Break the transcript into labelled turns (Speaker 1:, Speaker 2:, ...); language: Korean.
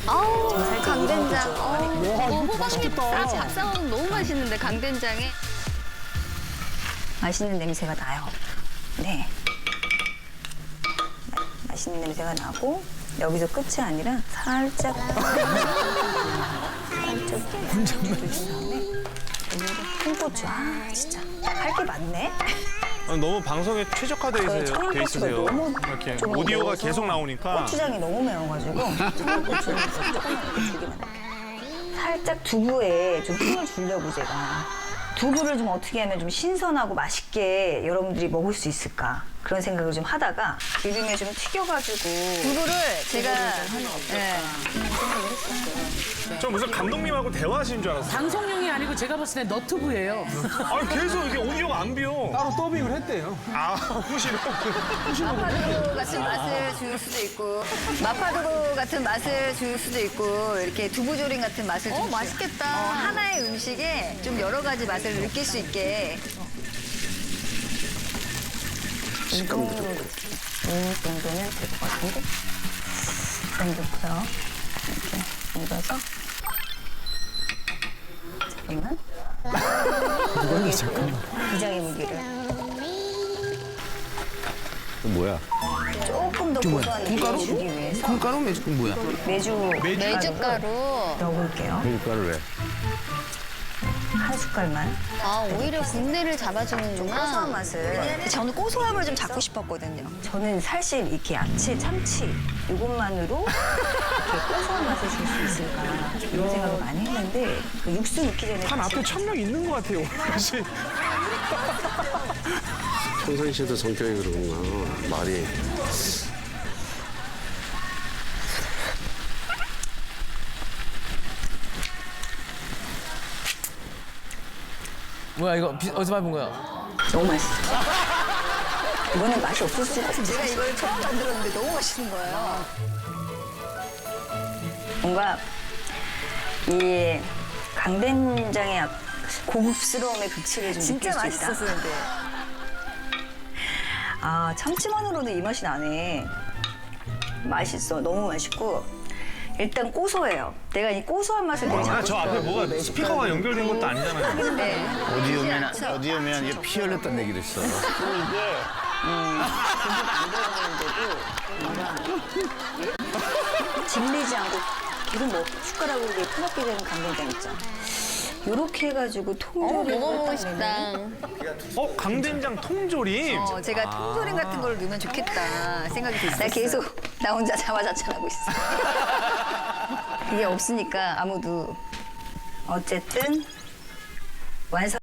Speaker 1: 아우, 강된장.
Speaker 2: 와, 이거
Speaker 1: 호박잎
Speaker 2: 맛있겠다.
Speaker 1: 잡싸먹으면 너무 맛있는데, 강된장에.
Speaker 3: 맛있는 냄새가 나요. 네. 맛있는 냄새가 나고 여기서 끝이 아니라 살짝 돌린 다음에 여기로 홍고추. 아 진짜 할 게 많네.
Speaker 4: 너무 방송에 최적화돼
Speaker 3: 저희
Speaker 4: 돼
Speaker 3: 청양고추가
Speaker 4: 있으세요.
Speaker 3: 너무
Speaker 4: 이렇게
Speaker 3: 좀
Speaker 4: 오디오가
Speaker 3: 매워서
Speaker 4: 계속 나오니까.
Speaker 3: 고추장이 너무 매워가지고 청양고추를 조금만 이렇게 줄기만 살짝 두부에 좀 힘을 주려고 제가 두부를 좀 어떻게 하면 좀 신선하고 맛있게 여러분들이 먹을 수 있을까 그런 생각을 좀 하다가 기름에 좀 튀겨가지고
Speaker 1: 두부를 제가. 네.
Speaker 4: 저 무슨 감독님하고 대화하시는 줄 알았어요.
Speaker 5: 방송용이 아니고 제가 봤을 때 너튜브예요.
Speaker 4: 아니 계속 이게 오디오가 안 비어.
Speaker 2: 따로 더빙을 했대요.
Speaker 4: 아, 후시로.
Speaker 1: 마파두부 같은 맛을 줄 수도 있고, 마파두부 같은 맛을 줄 수도 있고, 이렇게 두부조림 같은 맛을 줄 맛있겠다. 하나의 음식에 좀 여러 가지 맛을 느낄 수 있게.
Speaker 3: 이 정도는 될 것 같은데 좀 넣고요. 이렇게 얹어서 잠깐만. 비장의 무기를
Speaker 6: 뭐야?
Speaker 3: 조금 더 고소한 느낌을 주기 위해서
Speaker 2: 콩가루 매주 뭐야?
Speaker 1: 메주가루.
Speaker 3: 넣어볼게요.
Speaker 6: 밀가루 왜?
Speaker 3: 한 숟갈만.
Speaker 1: 아, 오히려 군대를
Speaker 3: 고소한
Speaker 1: 잡아주는구나.
Speaker 3: 맛을.
Speaker 1: 저는 고소함을 좀 잡고 싶었거든요.
Speaker 3: 저는 사실 이렇게 야채, 참치 이것만으로 이렇게 고소한 맛을 줄 수 있을까 이런 생각을 많이 했는데 그 육수 넣기 전에
Speaker 4: 한 앞에 1000명 있는 것 같아요. 사실.
Speaker 6: 평상시에도 성격이 그러구나. 말이.
Speaker 5: 뭐야 이거 어디서 밟은 거야?
Speaker 3: 너무 맛있어. 이거는 맛이 없을 수가 없어.
Speaker 1: 제가 이걸 처음 만들었는데 너무 맛있는 거예요.
Speaker 3: 뭔가 이 강된장의 고급스러움의 극치를 좀
Speaker 1: 진짜
Speaker 3: 느낄 수 있다.
Speaker 1: 맛있었는데.
Speaker 3: 아 참치만으로도 이 맛이 나네. 맛있어. 너무 맛있고 일단 고소해요. 내가 이 고소한 맛을 되게
Speaker 4: 아,
Speaker 3: 잡고
Speaker 4: 저 앞에
Speaker 3: 싶어요.
Speaker 4: 뭐가 스피커가 연결된 것도 아니잖아요.
Speaker 1: 네.
Speaker 6: 어디 오면 이게 피 흘렸다는 얘기를 했어.
Speaker 3: 그리고 이게 고기가 안 들어가는데도 뭔가 질리지 않고 계속 뭐 숟가락으로 이렇게 퍼먹게 되는 강된장 있죠. 요렇게 해가지고 통조림을
Speaker 1: 먹어보고
Speaker 3: 딱
Speaker 1: 싶다.
Speaker 3: 넣으면
Speaker 4: 강된장 통조림.
Speaker 1: 제가 통조림 같은 걸 넣으면 좋겠다 생각이 됐어요.
Speaker 3: 나 계속 나 혼자 자화자찬하고 있어. 이게 없으니까 아무도 어쨌든 완성.